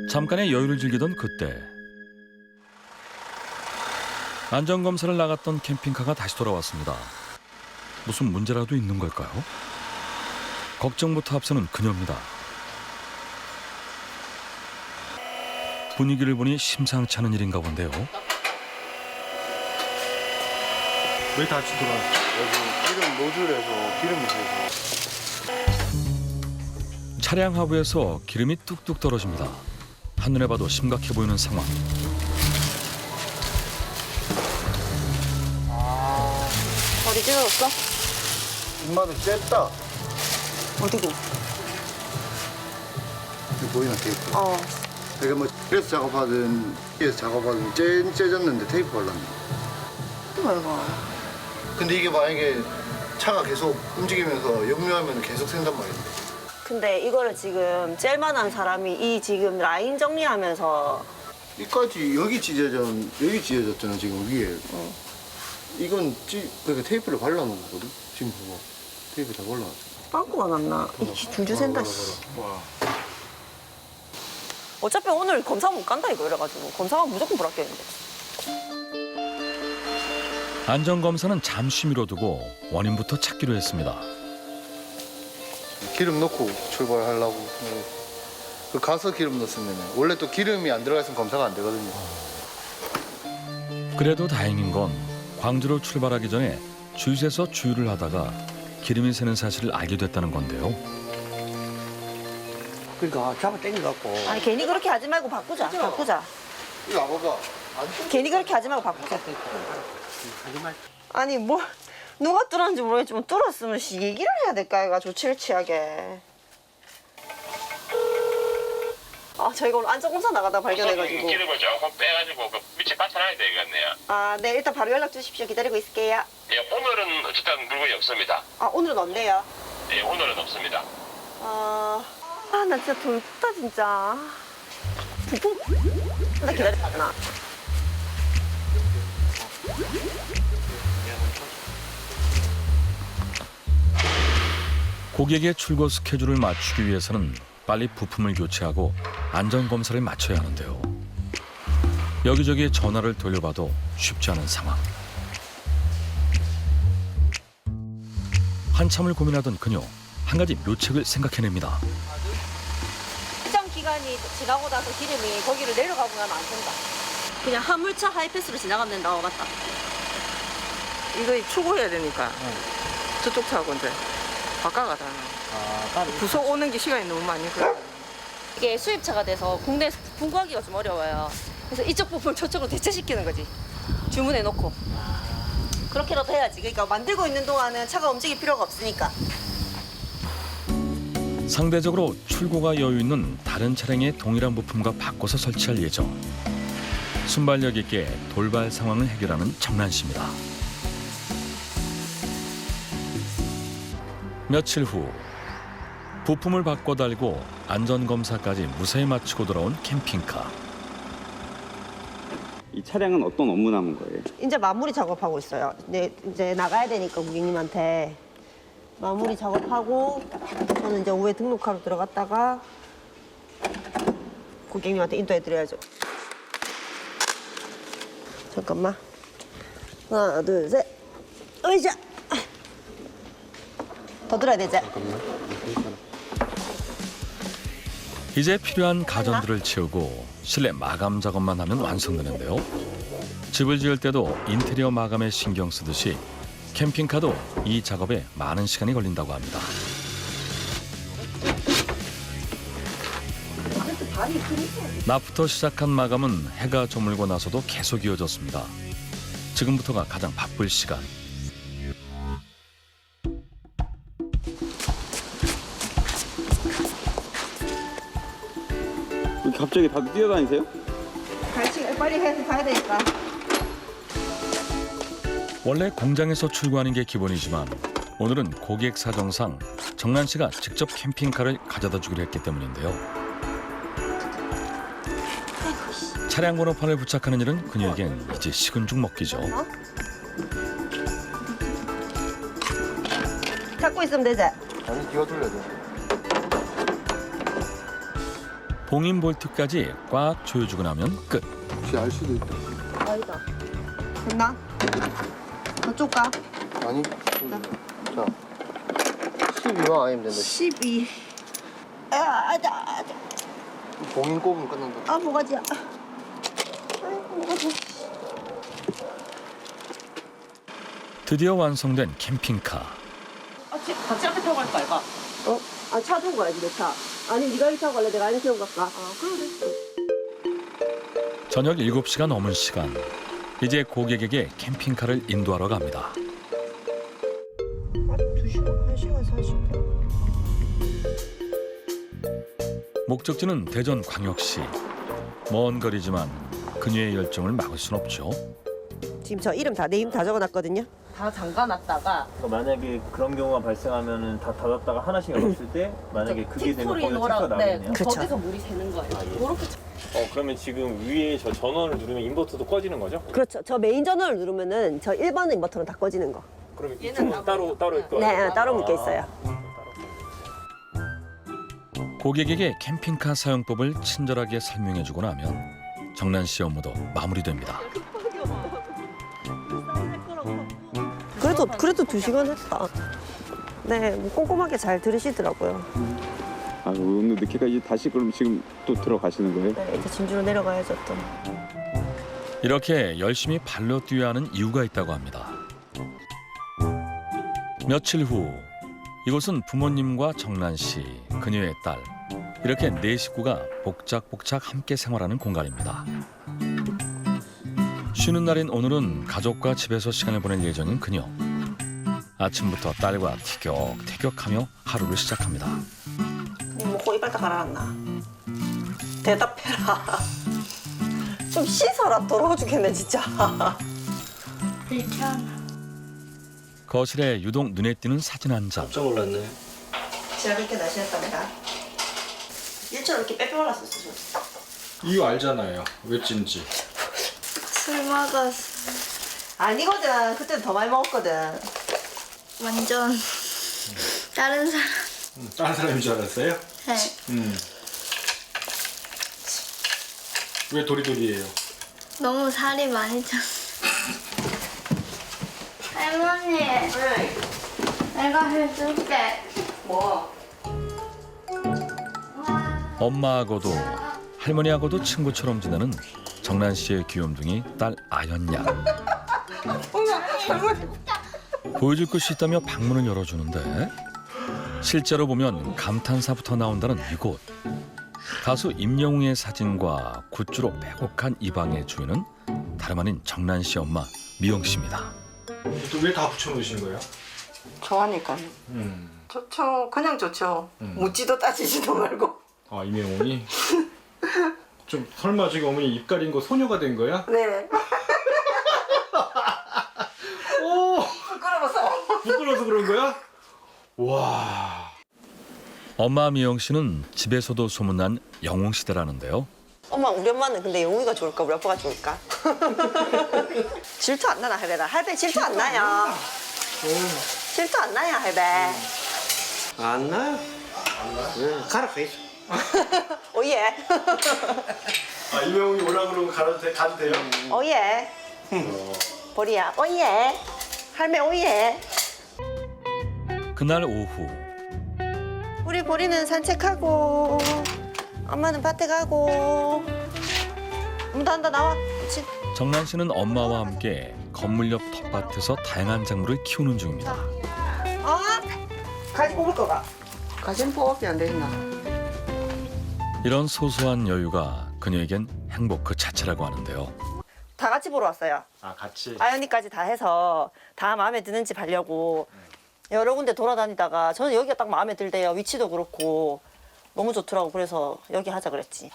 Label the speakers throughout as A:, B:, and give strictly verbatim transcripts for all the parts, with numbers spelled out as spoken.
A: 잠깐의 여유를 즐기던 그때 안전검사를 나갔던 캠핑카가 다시 돌아왔습니다. 무슨 문제라도 있는 걸까요? 걱정부터 앞서는 그녀입니다. 분위기를 보니 심상치 않은 일인가 본데요.
B: 왜 다시 돌아왔어?
C: 여기 기름 노즐에서 기름이 새서.
A: 차량 하부에서 기름이 뚝뚝 떨어집니다. 한눈에 봐도 심각해 보이는 상황.
D: 어디 찢어졌어?
C: 엄마도 쬐다.
D: 어디고?
C: 이거 보이나 테이프?
D: 어.
C: 그러니까 뭐 그래서 작업하든 위에서 작업하든 쬐, 쬐졌는데 테이프 발랐네.
D: 아이고.
C: 근데 이게 만약에 차가 계속 움직이면서 역류하면 계속 샌단 말인데.
D: 근데 이거를 지금 젤만한 사람이 이 지금 라인 정리하면서
C: 이까지 여기 찢어져 여기 찢어졌잖아 지금 위에.
D: 어.
C: 이건 찌 그러니까 테이프를 발라놓은 거거든. 지금 봐봐. 테이프 다 발라놨어.
D: 빵꾸가 났나? 이 줄줄 샌다. 씨.
C: 와.
D: 어차피 오늘 검사 못 간다 이거 이래가지고 검사가 무조건 불합격인데.
A: 안전검사는 잠시 미뤄두고 원인부터 찾기로 했습니다.
C: 기름 넣고 출발하려고. 그 가서 기름 넣었으면 원래 또 기름이 안 들어가 있으면 검사가 안 되거든요.
A: 그래도 다행인 건 광주로 출발하기 전에 주유소에서 주유를 하다가 기름이 새는 사실을 알게 됐다는 건데요.
B: 그러니까 잡아 당겨갖고.
D: 아니 괜히 그렇게 하지 말고 바꾸자. 바꾸자.
C: 이거 봐봐. 안
D: 괜히 그렇게 하지 말고 바꾸자.
B: 하지 말.
D: 아니 뭐 누가 뚫었는지 모르겠지만 뚫었으면 씨 얘기를 해야 될까 얘가 조치를 취하게. 아 저희가 오늘 안전검사 나가다 발견해가지고.
E: 기름을 조금 빼가지고 그 밑에 받쳐놔야 되겠네요.
D: 아 네 일단 바로 연락 주십시오. 기다리고 있을게요.
E: 예, 오늘은 어쨌든 물건이 없습니다.
D: 아 오늘은 없네요.
E: 예, 오늘은 없습니다.
D: 아, 아, 나 진짜 돌다 진짜. 부품? 나 기다렸나?
A: 고객의 출고 스케줄을 맞추기 위해서는 빨리 부품을 교체하고 안전검사를 마쳐야 하는데요. 여기저기 전화를 돌려봐도 쉽지 않은 상황. 한참을 고민하던 그녀, 한 가지 묘책을 생각해냅니다.
D: 시장 기간이 지나고 나서 기름이 거기를 내려가고 나면 안 된다. 그냥 화물차 하이패스로 지나가면 된다. 어, 맞다.
F: 이거 출고해야 되니까 저쪽 차하고 이제 바꿔가다
B: 아, 따로.
F: 부속 오는 게 시간이 너무 많이 걸려.
D: 이게 수입차가 돼서 국내에서 부품 구하기가 좀 어려워요. 그래서 이쪽 부품을 저쪽으로 대체시키는 거지. 주문해 놓고. 그렇게라도 해야지. 그러니까 만들고 있는 동안은 차가 움직일 필요가 없으니까.
A: 상대적으로 출고가 여유 있는 다른 차량의 동일한 부품과 바꿔서 설치할 예정. 순발력 있게 돌발 상황을 해결하는 정란 씨입니다. 며칠 후 부품을 바꿔 달고 안전검사까지 무사히 마치고 돌아온 캠핑카.
G: 이 차량은 어떤 업무 남은 거예요?
D: 이제 마무리 작업하고 있어요. 네, 이제 나가야 되니까 고객님한테 마무리 작업하고 저는 이제 오후에 등록하러 들어갔다가 고객님한테 인도해드려야죠. 잠깐만. 하나, 둘, 셋. 으이자. 더 들어야 되지?
A: 이제 필요한 가전들을 채우고 실내 마감 작업만 하면 완성되는데요. 집을 지을 때도 인테리어 마감에 신경 쓰듯이 캠핑카도 이 작업에 많은 시간이 걸린다고 합니다. 낮부터 시작한 마감은 해가 저물고 나서도 계속 이어졌습니다. 지금부터가 가장 바쁠 시간.
G: 갑자기 밖에 뛰어다니세요?
D: 같이 빨리 해서 가야 되니까.
A: 원래 공장에서 출고하는 게 기본이지만 오늘은 고객 사정상 정란 씨가 직접 캠핑카를 가져다 주기로 했기 때문인데요. 차량 번호판을 부착하는 일은 그녀에겐 이제 식은 죽 먹기죠.
D: 잡고 있으면 되지?
C: 아니 기어 돌려야 돼.
A: 봉인 볼트까지 꽉 조여주고 나면 끝.
C: 혹시 알 수도 있다.
D: 아니다. 됐나? 저쪽 가.
C: 아니. 자. 십이만 아니면 된다.
D: 십이. 아, 아다, 아다.
C: 봉인 꼽으면 끝난다.
D: 아, 뭐가지야. 아이고, 뭐가지.
A: 드디어 완성된 캠핑카.
F: 아, 지- 같이 앞에 타고 갈까, 이거?
D: 어? 아, 차 두고 가야지, 내 차. 아니, 네가 이 타고 갈래? 내가 안에 태우고 갈까? 아, 그래.
A: 저녁 일곱 시가 넘은 시간. 이제 고객에게 캠핑카를 인도하러 갑니다.
D: 두 시간, 한 시간 사십 분.
A: 목적지는 대전광역시. 먼 거리지만 그녀의 열정을 막을 순 없죠.
D: 지금 저 이름 다, 내 이름 다 적어놨거든요.
F: 다 잠가놨다가
H: 그러니까 만약에 그런 경우가 발생하면은 다 닫았다가 하나씩 열었을 때 만약에 그게 되면
F: 틱소리
H: 거기서
F: 넣으라.
H: 체크가
F: 네,
H: 나겠네요.
D: 그쵸.
F: 거기서 물이 새는 거예요.
H: 아, 예.
F: 이렇게
I: 어 그러면 지금 위에 저 전원을 누르면 인버터도 꺼지는 거죠?
D: 그렇죠. 저 메인 전원을 누르면은 저 일 번 인버터는 다 꺼지는 거.
I: 그럼
F: 얘는
I: 이쪽은
F: 나가요.
I: 따로 따로 있고.
D: 네, 따로 묶여 있어요.
A: 고객에게 캠핑카 사용법을 친절하게 설명해주고 나면 정란 씨 업무도 마무리됩니다.
D: 그래도 그래도 두 시간 했다. 네, 뭐 꼼꼼하게 잘 들으시더라고요.
G: 아, 오늘 늦게까지 다시 그럼 지금 또 들어가시는 거예요?
D: 네, 이제 진주로 내려가야죠 또.
A: 이렇게 열심히 발로 뛰어야 하는 이유가 있다고 합니다. 며칠 후 이곳은 부모님과 정란 씨, 그녀의 딸 이렇게 네 식구가 복작복작 함께 생활하는 공간입니다. 쉬는 날인 오늘은 가족과 집에서 시간을 보낼 예정인 그녀. 아침부터 딸과 티격태격하며 하루를 시작합니다.
D: 먹고 이빨 다 갈아놨나? 대답해라. 좀 씻어라. 더러워 죽겠네 진짜.
A: 거실에 유독 눈에 띄는 사진 한 장.
B: 깜짝 놀랐네.
D: 제가 그렇게 날씬했답니다. 일처럼 이렇게 빼빼 올랐었어.
J: 이유 알잖아요. 왜 찐지.
K: 술 먹었어.
D: 아니거든. 그때는 더 많이 먹었거든.
K: 완전 다른 사람.
J: 음, 다른 사람인 줄 알았어요?
K: 네.
J: 음. 왜 도리도리해요?
K: 너무 살이 많이 쪘어. 할머니, 내가 해줄게.
D: 뭐?
A: 엄마하고도 할머니하고도 친구처럼 지내는 정란 씨의 귀염둥이 딸 아연 양. 보여줄 것이 있다며 방문을 열어주는데 실제로 보면 감탄사부터 나온다는 이곳. 가수 임영웅의 사진과 굿즈로 빼곡한 이 방의 주인은 다름 아닌 정란 씨 엄마 미영 씨입니다.
J: 또 왜 다 붙여놓으신 거예요?
F: 좋아하니까.
J: 음.
F: 좋죠. 그냥 좋죠.
J: 음.
F: 묻지도 따지지도 말고.
J: 아, 이명훈이? 좀 설마 지금 어머니 입 가린 거 소녀가 된 거야?
F: 네.
J: 오!
F: 부끄러워서.
J: 부끄러워서 그런 거야? 와.
A: 엄마 미영 씨는 집에서도 소문난 영웅 시대라는데요.
D: 엄마 우리 엄마는 근데 영웅이가 좋을까 우리 아빠가 좋을까? 질투 안 나나 할배다. 할배 질투 안 나요. 질투 안 나요 할배.
B: 안 나요? 안 나? 네, 가라 가 있어.
D: 오예.
J: 아, 이명훈이 오라 그러면 가도, 돼, 가도 돼요?
D: 오예. 보리야 오예. 할매 오예.
A: 그날 오후
D: 우리 보리는 산책하고 엄마는 밭에 가고. 엄마 한다 나와. 그렇지.
A: 정란 씨는 엄마와 함께 건물 옆 텃밭에서 다양한 작물을 키우는 중입니다.
D: 어? 가지 뽑을 거가.
F: 가진 뽑기 안 되나?
A: 이런 소소한 여유가 그녀에겐 행복 그 자체라고 하는데요.
D: 다 같이 보러 왔어요.
J: 아, 같이?
D: 아연이까지 다 해서 다 마음에 드는 집 하려고 여러 군데 돌아다니다가 저는 여기가 딱 마음에 들대요. 위치도 그렇고 너무 좋더라고. 그래서 여기 하자 그랬지.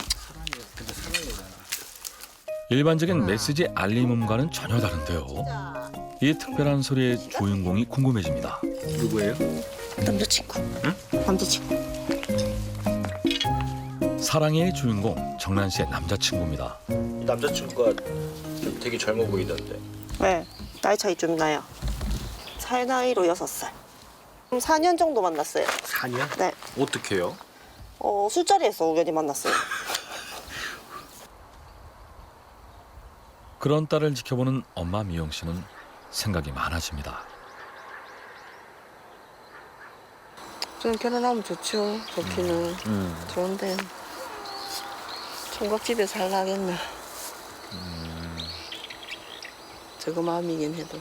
A: 일반적인 메시지 알림음과는 전혀 다른데요. 이 특별한 소리의 주인공이 궁금해집니다.
J: 누구예요?
D: 남자친구. 응? 남자친구.
A: 사랑의 주인공 정란 씨의 남자친구입니다.
B: 이 남자친구가 되게 젊어 보이던데.
D: 네. 나이 차이 좀 나요. 살 나이로 여섯 살. 사 년 정도 만났어요.
B: 사 년?
D: 네.
B: 어떻게요?
D: 어, 술자리에서 우연히 만났어요.
A: 그런 딸을 지켜보는 엄마 미영 씨는 생각이 많아집니다.
F: 저는 결혼하면 좋죠. 좋기는.
G: 음.
F: 좋은데 총각집에 살라 하겠나. 저거 마음이긴 해도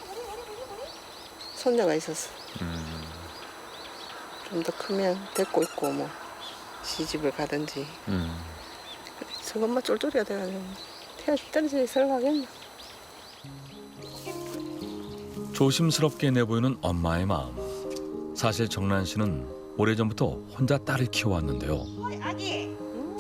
F: 손녀가 있어서
G: 음.
F: 좀 더 크면 데리고 있고 뭐 시집을 가든지
G: 음.
F: 저것만 쫄쫄이가 돼가지고 태아 떨어져 살라 하겠나.
A: 조심스럽게 내보이는 엄마의 마음. 사실 정란 씨는 오래전부터 혼자 딸을 키워왔는데요.
D: 아기.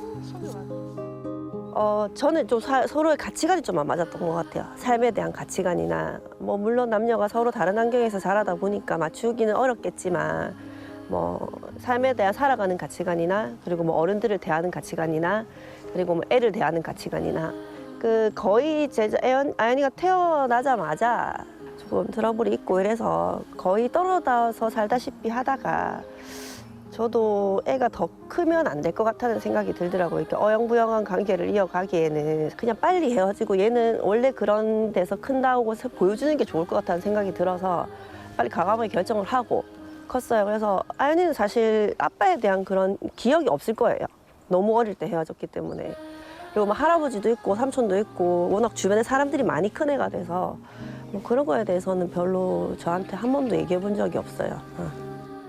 D: 어, 저는 좀 사, 서로의 가치관이 좀 안 맞았던 것 같아요. 삶에 대한 가치관이나 뭐 물론 남녀가 서로 다른 환경에서 자라다 보니까 맞추기는 어렵겠지만 뭐 삶에 대한 살아가는 가치관이나 그리고 뭐 어른들을 대하는 가치관이나 그리고 뭐 애를 대하는 가치관이나 그 거의 제 애연, 아연이가 태어나자마자 조금 트러블이 있고 이래서 거의 떨어져서 살다시피 하다가 저도 애가 더 크면 안 될 것 같다는 생각이 들더라고요. 이렇게 어영부영한 관계를 이어가기에는 그냥 빨리 헤어지고 얘는 원래 그런 데서 큰다고 보여주는 게 좋을 것 같다는 생각이 들어서 빨리 과감하게 결정을 하고 컸어요. 그래서 아연이는 사실 아빠에 대한 그런 기억이 없을 거예요. 너무 어릴 때 헤어졌기 때문에. 그리고 막 할아버지도 있고 삼촌도 있고 워낙 주변에 사람들이 많이 큰 애가 돼서 뭐 그런 거에 대해서는 별로 저한테 한 번도 얘기해 본 적이 없어요. 어.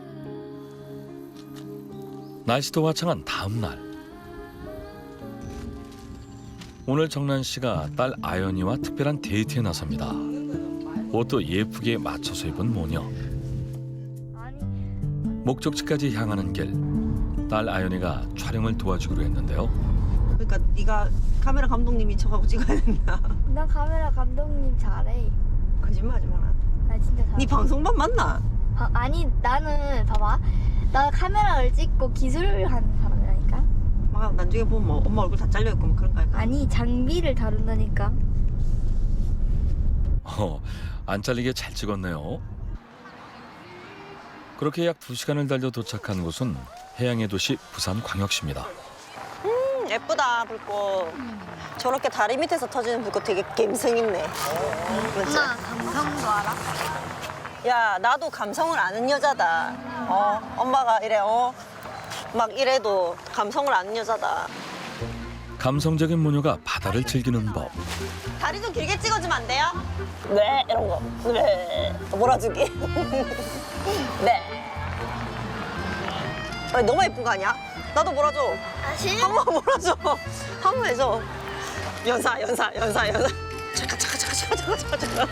A: 날씨도 화창한 다음 날. 오늘 정란 씨가 딸 아연이와 특별한 데이트에 나섭니다. 옷도 예쁘게 맞춰서 입은 모녀. 목적지까지 향하는 길. 딸 아연이가 촬영을 도와주기로 했는데요.
D: 그러니까 네가 카메라 감독님이 쳐가고 찍어야 된다.
K: 나 카메라 감독님 잘해.
D: 거짓말하지 마라.
K: 나 진짜 잘해.
D: 네 방송반 맞나?
K: 아, 아니 나는 봐봐. 나 카메라를 찍고 기술을 하는 사람이라니까.
D: 막 나중에 보면 뭐 엄마 얼굴 다 잘려 있고 뭐 그런 거 할까?
K: 아니 장비를 다룬다니까.
A: 어, 안 잘리게 잘 찍었네요. 그렇게 약 두 시간을 달려 도착한 곳은 해양의 도시 부산광역시입니다.
D: 음, 예쁘다 불꽃. 저렇게 다리 밑에서 터지는 불꽃 되게 감성 있네. 그렇지?
K: 엄마 감성도 알아?
D: 야 나도 감성을 아는 여자다. 어 엄마가 이래 어 막 이래도 감성을 아는 여자다.
A: 감성적인 모녀가 바다를 즐기는 법.
D: 다리 좀 길게 찍어주면 안 돼요? 네 이런 거. 네 몰아주기. 네. 아니, 너무 예쁜 거 아니야? 나도 몰아줘.
K: 아 싫어?
D: 한 번 몰아줘. 한 번 해줘. 연사 연사 연사 연사. 잠깐 잠깐 잠깐 잠깐 잠깐 잠깐.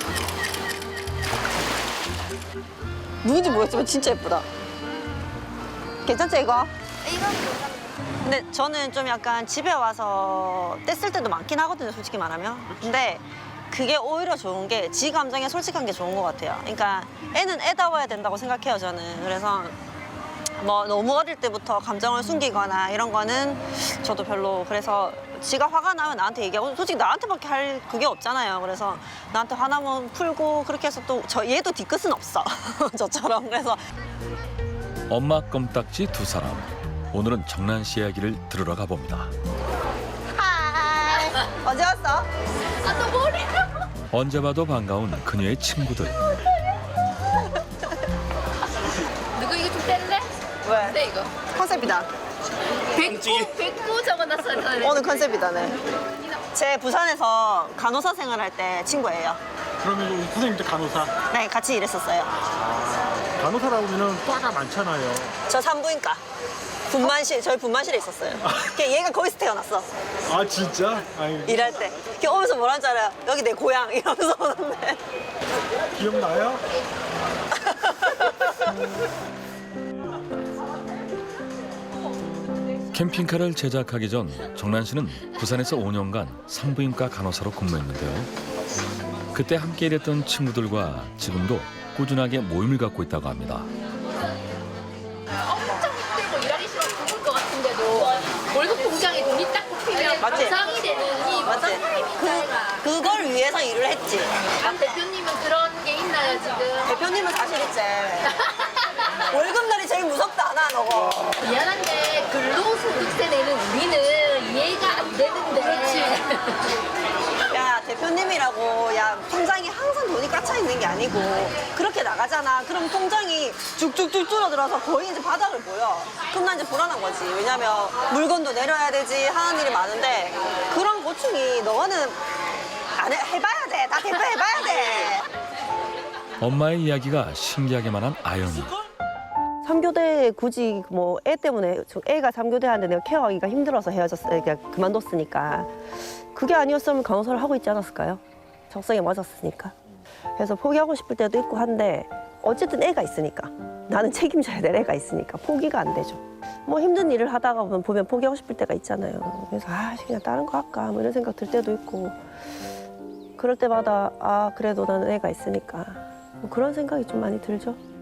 D: 누군지 모르겠지만 진짜 예쁘다. 괜찮죠 이거?
K: 이건 뭐야?
D: 근데 저는 좀 약간 집에 와서 뗐을 때도 많긴 하거든요, 솔직히 말하면. 근데 그게 오히려 좋은 게 지 감정에 솔직한 게 좋은 것 같아요. 그러니까 애는 애다워야 된다고 생각해요, 저는. 그래서 뭐 너무 어릴 때부터 감정을 숨기거나 이런 거는 저도 별로. 그래서 지가 화가 나면 나한테 얘기하고 솔직히 나한테밖에 할 그게 없잖아요. 그래서 나한테 화나면 풀고 그렇게 해서 또 저 얘도 뒤끝은 없어. 저처럼. 그래서
A: 엄마 껌딱지 두 사람. 오늘은 정란 씨 이야기를 들으러 가봅니다.
D: 하이. 언제 왔어?
K: 아너 머리.
A: 언제 봐도 반가운 그녀의 친구들.
K: 누구 이거 좀 뗄래?
D: 왜?
K: 네 이거.
D: 컨셉이다.
K: 백구 백구 적어놨어요.
D: 오늘 컨셉이다네. 제 부산에서 간호사 생활할 때 친구예요.
J: 그러면 우리 선생님도 간호사.
D: 네, 같이 일했었어요.
J: 간호사라고 하면 과가 많잖아요.
D: 저 산부인과. 분만실, 저희 분만실에 있었어요. 걔 얘가 거기서 태어났어.
J: 아 진짜? 아니,
D: 일할 때. 걔 오면서 뭐라는 줄 알아요? 여기 내 고향 이러면서 오는데.
J: 기억나요?
A: 캠핑카를 제작하기 전 정란 씨는 부산에서 오 년간 산부인과 간호사로 근무했는데요. 그때 함께 일했던 친구들과 지금도 꾸준하게 모임을 갖고 있다고 합니다.
K: 엄청 힘들고 일하기 싫어 죽을 것 같은데도 월급 통장에 돈이 딱 뽑히면
D: 맞지?
K: 보상이 되는 이
D: 맞지? 그, 그걸 위해서 일을 했지.
K: 안 대표님은 그런 게 있나요 지금?
D: 대표님은 사실 있지. 월급날이 제일 무섭다 하나 너거.
K: 미안한데 근로소득세 내는 우리는 이해가 안 되는데. 그렇지.
D: 야 대표님이라고 야 통장에 항상 돈이 꽉차 있는 게 아니고 그렇게 나가잖아. 그럼 통장이 쭉쭉쭉 줄어들어서 거의 이제 바닥을 보여. 그럼 난 이제 불안한 거지. 왜냐면 물건도 내려야 되지 하는 일이 많은데 그런 고충이 너는 안 해, 해봐야 돼. 나 대표 해봐야 돼.
A: 엄마의 이야기가 신기하게만 한 아연이.
D: 삼교대 굳이 뭐 애 때문에 저 애가 삼교대 하는데 내가 케어하기가 힘들어서 헤어졌어. 그러니까 그만뒀으니까 그게 아니었으면 간호사를 하고 있지 않았을까요? 적성에 맞았으니까. 그래서 포기하고 싶을 때도 있고 한데 어쨌든 애가 있으니까 나는 책임져야 될 애가 있으니까 포기가 안 되죠. 뭐 힘든 일을 하다가 보면, 보면 포기하고 싶을 때가 있잖아요. 그래서 아 그냥 다른 거 할까 뭐 이런 생각 들 때도 있고 그럴 때마다 아 그래도 나는 애가 있으니까 뭐 그런 생각이 좀 많이 들죠.